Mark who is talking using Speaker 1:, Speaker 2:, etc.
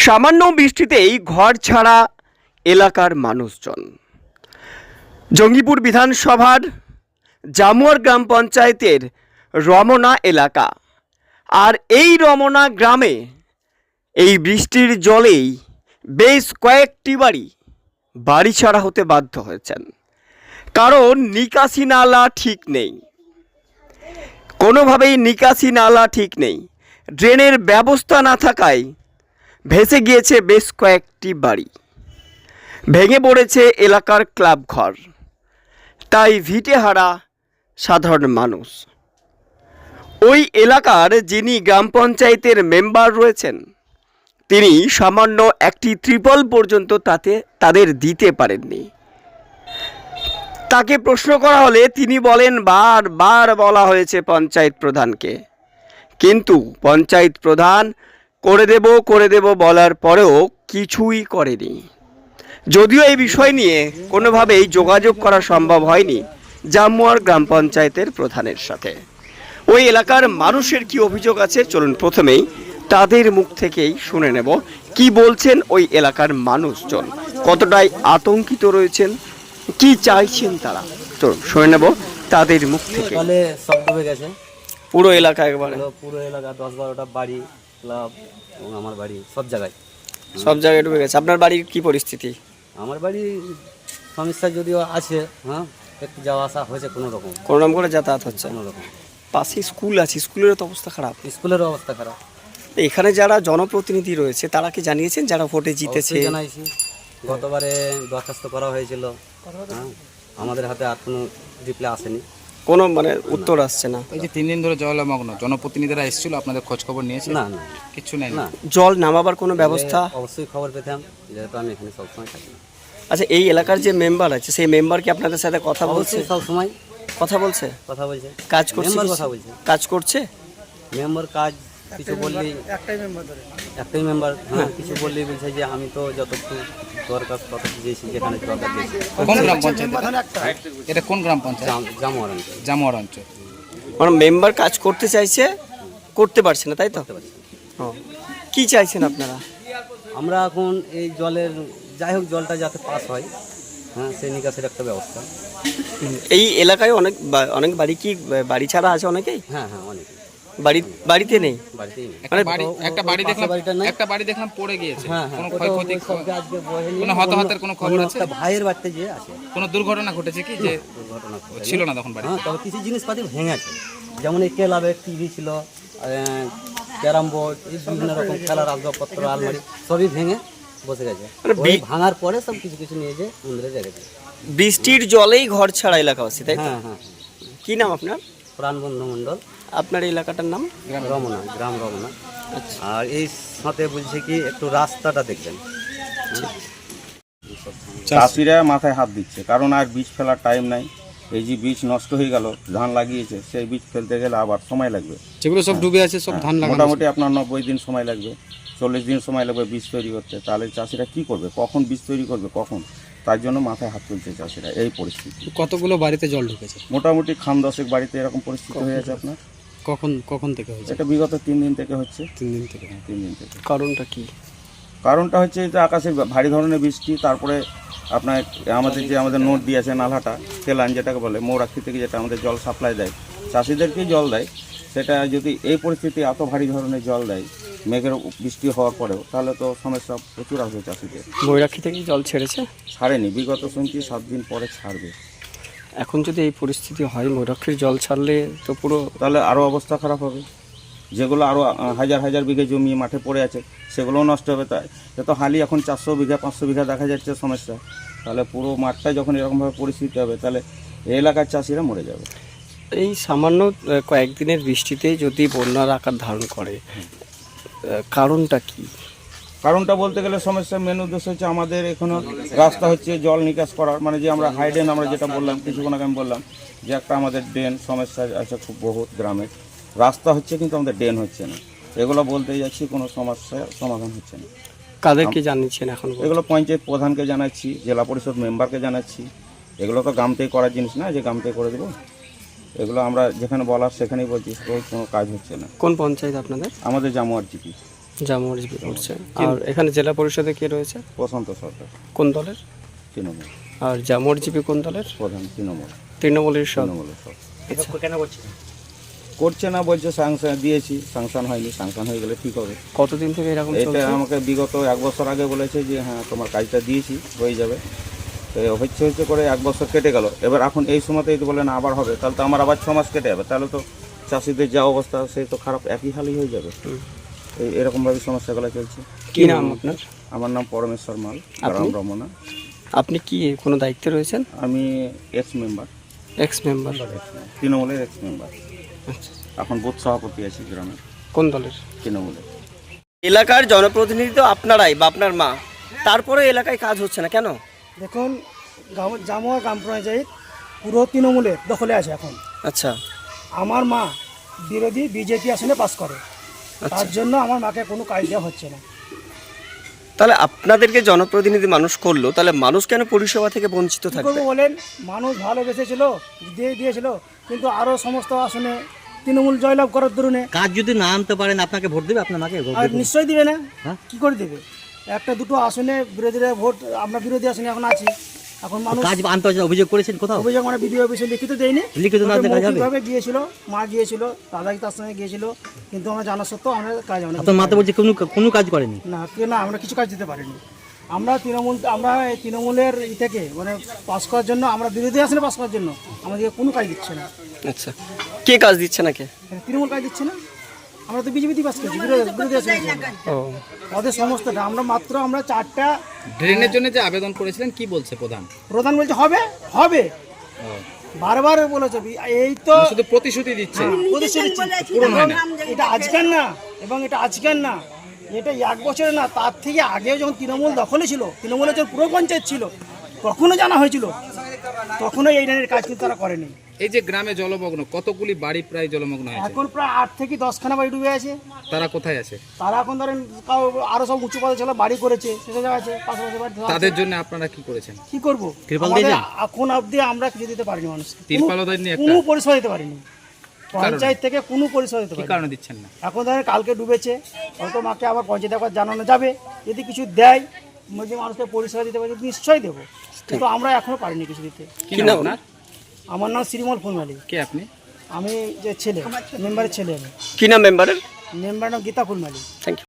Speaker 1: সামান্য বৃষ্টিতেই ঘর ছাড়া এলাকার মানুষজন। জঙ্গিপুর বিধানসভার জামুয়ার গ্রাম পঞ্চায়েতের রমনা এলাকা। আর এই রমনা গ্রামে এই বৃষ্টির জলেই বেশ কয়েকটি বাড়ি ছাড়া হতে বাধ্য হয়েছেন, কারণ নিকাশি নালা ঠিক নেই। কোনোভাবেই নিকাশি নালা ঠিক নেই। ড্রেনের ব্যবস্থা না থাকায় ভেসে গিয়েছে বেশ কয়েকটি বাড়ি, ভেঙে পড়েছে এলাকার ক্লাব ঘর। তাই ভিটেহারা সাধারণ মানুষ। ওই এলাকার যিনি গ্রাম পঞ্চায়েতের মেম্বার রয়েছেন, তিনি সামান্য একটি ত্রিপল পর্যন্ত তাদের দিতে পারেননি। তাকে প্রশ্ন করা হলে তিনি বলেন বারবার বলা হয়েছে পঞ্চায়েত প্রধানকে, কিন্তু পঞ্চায়েত প্রধান করে দেব বলার পরেও কিছুই করেনি। যদিও এই বিষয় নিয়ে কোনোভাবেই যোগাযোগ করা সম্ভব হয়নি জামুয়ার গ্রাম পঞ্চায়েতের প্রধানের সাথে। ওই এলাকার মানুষের কি অভিযোগ আছে, চলুন প্রথমেই তাদের মুখ থেকেই শুনে নেব কি বলছেন ওই এলাকার মানুষজন, কতটাই আতঙ্কিত রয়েছেন, কি চাইছেন তারা। চলুন শুনে নেব তাদের মুখ থেকে।
Speaker 2: সব ডুবে গেছে,
Speaker 1: পুরো এলাকা একবারে,
Speaker 2: পুরো এলাকা 10-12টা বাড়ি, ক্লাব এবং আমার বাড়ি সব জায়গায়
Speaker 1: ডুবে গেছে। আপনার বাড়ির কি পরিস্থিতি?
Speaker 2: আমার বাড়ি সমস্যা যদিও আছে, হ্যাঁ একটু যাওয়া আসা হয়েছে কোনো রকম
Speaker 1: করে যাতায়াত হচ্ছে।
Speaker 2: কোনো রকম
Speaker 1: পাশে স্কুল আছে, স্কুলেরও তো অবস্থা খারাপ।
Speaker 2: স্কুলের অবস্থা খারাপ।
Speaker 1: এখানে যারা জনপ্রতিনিধি রয়েছে তারা কি জানিয়েছেন, যারা ভোটে জিতেছে?
Speaker 2: জানাইছি, গতবারে দরখাস্ত করা হয়েছিল, হ্যাঁ আমাদের হাতে আর কোনো রিপ্লাই আসেনি,
Speaker 1: কোনো উত্তর আসছে না।
Speaker 3: এই যে 3 দিন ধরে জলমগ্ন, জনপ্রতিনিধিরা এসেছিল, আপনাদের খোঁজ খবর নিয়েছে?
Speaker 2: না না
Speaker 3: কিছু নেই
Speaker 2: না।
Speaker 1: জল নামাবার কোনো ব্যবস্থা?
Speaker 2: অবশ্যই খবর পেতাম, যেহেতু আমি এখানে সবসময় থাকি।
Speaker 1: আচ্ছা, এই এলাকার যে মেম্বার আছে সেই মেম্বার কি আপনাদের সাথে কথা বলছে?
Speaker 2: সবসময়
Speaker 1: কথা বলছে, কাজ করছে,
Speaker 2: কথা বলছে,
Speaker 1: কাজ করছে।
Speaker 2: মেম্বার কাজ কিছু বললেই একটাই মেম্বার, হ্যাঁ কিছু বললেই বলছে যে আমি তো যতটুকু দরকার ততটুকু দিয়েছি, যেখানে দরকার দিয়েছি।
Speaker 3: কোন গ্রাম পঞ্চায়েত এটা? কোন গ্রাম পঞ্চায়েত? জামুয়ার অঞ্চল।
Speaker 1: মেম্বার কাজ করতে চাইছে, করতে পারছে না, তাই তো? কি চাইছেন আপনারা?
Speaker 2: আমরা এখন এই জলের, যাই হোক জলটা যাতে পাস হয়, হ্যাঁ সেই নিকাশের একটা ব্যবস্থা।
Speaker 1: এই এলাকায় অনেক বাড়ি কি বাড়ি ছাড়া আছে অনেকেই?
Speaker 2: হ্যাঁ হ্যাঁ অনেক
Speaker 1: বাড়িতে নেই।
Speaker 3: একটা বাড়ি দেখলাম পড়ে গিয়েছে।
Speaker 2: হ্যাঁ
Speaker 3: কোনো ক্ষয়ক্ষতি, কোনো হতাহতের কোনো খবর আছে?
Speaker 2: ভাইয়ের বাড়িতে যে আছে।
Speaker 3: কোনো দুর্ঘটনা ঘটেছে কি? যে
Speaker 2: দুর্ঘটনা
Speaker 3: ছিল না তখন বাড়ি?
Speaker 2: হ্যাঁ, তবে কিছু জিনিসপাতি ভেঙে আছে, যেমন এই ক্লাবের টিভি ছিল, ক্যারাম বোর্ড, এই বিভিন্ন রকম খেলার আসবাবপত্র, আলমারি সবই ভেঙে বসে গেছে। ভাঙার পরে সব কিছু কিছু নিয়ে যে মন্দিরে রেখেছে।
Speaker 1: বৃষ্টির জলেই ঘর ছাড়া এলাকাবাসী, তাই?
Speaker 2: হ্যাঁ হ্যাঁ।
Speaker 1: কি নাম আপনার?
Speaker 2: প্রাণবন্ধু মণ্ডল।
Speaker 1: আপনার এই এলাকাটার নাম?
Speaker 2: রমনা, গ্রাম রমনা। আর এই সাথে বলছে কি একটু রাস্তাটা দেখবেন।
Speaker 4: চাষিরা মাথায় হাত দিচ্ছে, কারণ আর বীজ ফেলার টাইম নাই। এই যে বীজ নষ্ট হয়ে গেল, ধান লাগিয়েছে, সেই বীজ ফেলতে গেলে আবার সময় লাগবে।
Speaker 3: যেগুলো সব ডুবে আছে সব ধান লাগানো,
Speaker 4: মোটামুটি আপনার 90 দিন সময় লাগবে, 40 দিন সময় লাগবে বীজ তৈরি করতে। তাহলে চাষিরা কি করবে, কখন বীজ তৈরি করবে, কখন? তার জন্য মাথায় হাত তুলছে চাষিরা। এই পরিস্থিতি।
Speaker 3: কতগুলো বাড়িতে জল ঢুকেছে?
Speaker 4: মোটামুটি খান 10 বাড়িতে এরকম পরিস্থিতি হয়ে আছে আপনার।
Speaker 3: কখন থেকে হয়েছে?
Speaker 4: এটা বিগত 3 দিন থেকে হচ্ছে।
Speaker 3: 3 দিন থেকে?
Speaker 4: 3 দিন থেকে।
Speaker 1: কারণটা কি?
Speaker 4: কারণটা হচ্ছে যে আকাশে ভারী ধরনের বৃষ্টি, তারপরে আপনার আমাদের নোট দিয়েছে নালাটা, কেলান যেটাকে বলে, মৌরাক্ষী থেকে যেটা আমাদের জল সাপ্লাই দেয়, চাষিদেরকেই জল দেয়, সেটা যদি এই পরিস্থিতি এত ভারী ধরনের জল দেয় মেঘের বৃষ্টি হওয়ার পরেও, তাহলে তো সমস্যা প্রচুর আসবে চাষিদের।
Speaker 1: মৌরাক্ষী থেকে জল ছেড়েছে?
Speaker 4: ছাড়েনি, বিগত শুনছি 7 দিন পরে ছাড়বে।
Speaker 1: এখন যদি এই পরিস্থিতি হয়, মৌরাক্ষীর জল ছাড়লে তো পুরো,
Speaker 4: তাহলে আরও অবস্থা খারাপ হবে। যেগুলো আরও হাজার হাজার বিঘে জমি মাঠে পড়ে আছে সেগুলোও নষ্ট হবে। তাই তো হালি এখন 400 বিঘা 500 বিঘা দেখা যাচ্ছে সমস্যা। তাহলে পুরো মাঠটা যখন এরকমভাবে পরিস্থিতি হবে, তাহলে এই এলাকার চাষিরা মরে যাবে।
Speaker 1: এই সামান্য কয়েকদিনের বৃষ্টিতে যদি বন্যার আকার ধারণ করে, কারণটা কি?
Speaker 4: কারণটা বলতে গেলে সমস্যার মেন উদ্দেশ্য হচ্ছে আমাদের এখনো রাস্তা হচ্ছে জল নিকাশ করার, যে আমরা হাই ড্রেন, আমরা যেটা বললাম কিছুক্ষণ আগে আমি বললাম যে একটা আমাদের ড্রেন সমস্যা আছে খুব বহুত গ্রামে। রাস্তা হচ্ছে কিন্তু আমাদের ড্রেন হচ্ছে না। এগুলো বলতে যাচ্ছি, কোনো সমস্যার সমাধান হচ্ছে না।
Speaker 1: কাদেরকে জানিয়েছেন এখন?
Speaker 4: এগুলো পঞ্চায়েত প্রধানকে জানাচ্ছি, জেলা পরিষদ মেম্বারকে জানাচ্ছি। এগুলো তো গ্রাম থেকে করার জিনিস না যে গ্রাম থেকে করে দেবো। এগুলো আমরা যেখানে বলার সেখানেই বলছি, কোনো কাজ হচ্ছে না।
Speaker 1: কোন পঞ্চায়েত আপনাদের?
Speaker 4: আমাদের জামুয়ার জিপি।
Speaker 1: জামুয়ার জিপি করছে। আর এখানে জেলা পরিষদে কে রয়েছে?
Speaker 4: প্রশান্ত সরকার,
Speaker 1: কোন দলের?
Speaker 4: তৃণমূল
Speaker 1: আর জামুয়ার জিপি কোন দলের?
Speaker 4: প্রধান, তৃণমূল,
Speaker 1: তৃণমূলের সব।
Speaker 4: তৃণমূলের সব। করছে না, বলছে স্যাংশন দিয়েছি, স্যাংশন হয়নি, স্যাংশন হয়ে গেলে ঠিক হবে।
Speaker 1: কতদিন থেকে এরকম
Speaker 4: এটা
Speaker 1: চলছে?
Speaker 4: আমাকে বিগত 1 বছর আগে বলেছে যে হ্যাঁ তোমার কাজটা দিয়েছি, হয়ে যাবে। তো হচ্ছে করে 1 বছর কেটে গেল। এবার এখন এই সময়তেই তো বলে না আবার হবে, তাহলে তো আমার আবার 6 মাস কেটে যাবে। তাহলে তো চাষিদের যা অবস্থা সে তো খারাপ, একই হালই হয়ে যাবে। এরকমভাবে সমস্যাগুলো চলছে।
Speaker 1: কি নাম আপনার?
Speaker 4: আমার নাম পরমেশ্বর মাল,
Speaker 1: আপনি?
Speaker 4: গ্রাম রমনা।
Speaker 1: আপনি কি কোনো দায়িত্বে রয়েছেন?
Speaker 4: আমি এক্স মেম্বার,
Speaker 1: এক্স মেম্বার।
Speaker 4: তৃণমূলের এক্স মেম্বার।
Speaker 1: আচ্ছা,
Speaker 4: এখন বুথ সভাপতি আছি গ্রামে,
Speaker 1: কোন দলের?
Speaker 4: তৃণমূলের।
Speaker 1: এলাকার জনপ্রতিনিধি তো আপনারাই বা আপনার মা, তারপরে এলাকায় কাজ হচ্ছে না কেন?
Speaker 5: দেখুন, জামুয়া গ্রাম পঞ্চায়েত পুরো তৃণমূলের দখলে আছে এখন।
Speaker 1: আচ্ছা
Speaker 5: আমার মা বিরোধী বিজেপি আসনে পাস করে,
Speaker 1: আচ্ছা।
Speaker 5: তার জন্য আমার মাকে কোনো কাজ দেওয়া হচ্ছে না।
Speaker 1: তাহলে আপনাদেরকে জনপ্রতিনিধি মানুষ করলো, তাহলে মানুষ কেন পরিষেবা থেকে বঞ্চিত
Speaker 5: কী
Speaker 1: থাকবে?
Speaker 5: করবো বলেন, মানুষ ভালোবেসেছিল, দিয়েছিল, কিন্তু আরও সমস্ত আসনে তৃণমূল জয়লাভ করার দরুনে
Speaker 2: কাজ যদি না আনতে পারেন আপনাকে ভোট দেবে, আপনার মাকে ভোট
Speaker 5: আর
Speaker 2: দেবে?
Speaker 5: নিশ্চয়ই দিবে না।
Speaker 2: হ্যাঁ?
Speaker 5: কি করে দেবে? একটা দুটো আসনে বিরোধীরা ভোট, আমরা বিরোধী আসনে এখন আছি। এখন মানুষ
Speaker 2: কাজ আনতে হচ্ছে না, অভিযোগ করেছেন কোথাও?
Speaker 5: অভিযোগ মানে বিডিও অফিসে লিখিত দেয়নি,
Speaker 2: লিখিত না দিয়ে কাজ হবে?
Speaker 5: মৌখিকভাবে গিয়েছিল, মা গিয়েছিল, দাদা তার সঙ্গে গিয়েছিল, কিন্তু আমরা জানা সত্ত্বেও আমরা কাজ আমরা
Speaker 2: আপনার মাতে বলছে কোনো কাজ করেনি?
Speaker 5: না আমরা কিছু কাজ দিতে পারিনি। আমরা এই তৃণমূলের থেকে মানে পাস করার জন্য, আমরা বিরোধী আসনে পাস করার জন্য আমাদেরকে কোনো কাজ দিচ্ছে না।
Speaker 1: আচ্ছা, কে কাজ দিচ্ছে না কে?
Speaker 5: তৃণমূল কাজ দিচ্ছে না, আমরা তো বিজেপি পাস করছি, বিরোধী আসনে।
Speaker 1: ও
Speaker 5: ওদের সমস্তটা আমরা 4টা
Speaker 3: ড্রেনের জন্য যে আবেদন করেছিলেন কি বলছে প্রধান?
Speaker 5: প্রধান বলছে হবে হবে, বারবার বলেছে। এই তো
Speaker 3: শুধু প্রতিশ্রুতি দিচ্ছে।
Speaker 5: প্রতিশ্রুতি পূরণ হয় না। এটা আজকের না, এবং এটা আজকের না, এটা 1 বছরের না, তার থেকে আগেও যখন তৃণমূল দখলে ছিল, তৃণমূলের যখন পুরো পঞ্চায়েত ছিল, তখনও জানা হয়েছিল, তখনও এই ধরনের কাজ কিন্তু তারা করেনি।
Speaker 3: এই যে গ্রামে জলমগ্ন, কতগুলি বাড়ি প্রায় জলমগ্ন হয়েছে?
Speaker 5: এখন প্রায় 8 থেকে 10খানা বাড়ি ডুবে আছে।
Speaker 3: তারা কোথায় আছে?
Speaker 5: তারা এখন ধরেন আরো সব উঁচু পদে ছিল, বাড়ি করেছে, সেসব জায়গা আছে, পাশাপাশি বাড়ি আছে।
Speaker 3: তাদের জন্য আপনারা কি করেছেন?
Speaker 5: কি করবো,
Speaker 2: ত্রিপল
Speaker 5: আমাদের
Speaker 2: দিয়েছেন?
Speaker 5: এখন অবধি আমরা কিছু দিতে পারিনি মানুষকে,
Speaker 3: তিরপালও দেননি একটা?
Speaker 5: কোনো পরিষেবা দিতে পারিনি, পঞ্চায়েত থেকে কোনো পরিষেবা দিতে
Speaker 3: কি
Speaker 5: পারিনি।
Speaker 3: কারণে দিচ্ছেন না?
Speaker 5: এখন ধরেন কালকে ডুবেছে, হয়তো মাকে আবার পঞ্চায়েত একবার জানানো যাবে, যদি কিছু দেয়, যদি মানুষকে পরিষেবা দিতে পারি নিশ্চয়ই দেবো, কিন্তু আমরা এখনো পারিনি কিছু দিতে।
Speaker 3: কি নাম আপনার?
Speaker 5: আমার নাম শ্রীমল ফুলমালি,
Speaker 3: কে আপনি?
Speaker 5: আমি যে ছেলে, মেম্বারের ছেলে। আমি
Speaker 1: কি নাম মেম্বারের?
Speaker 5: মেম্বারের নাম গীতা ফুলমালি।
Speaker 1: Thank you.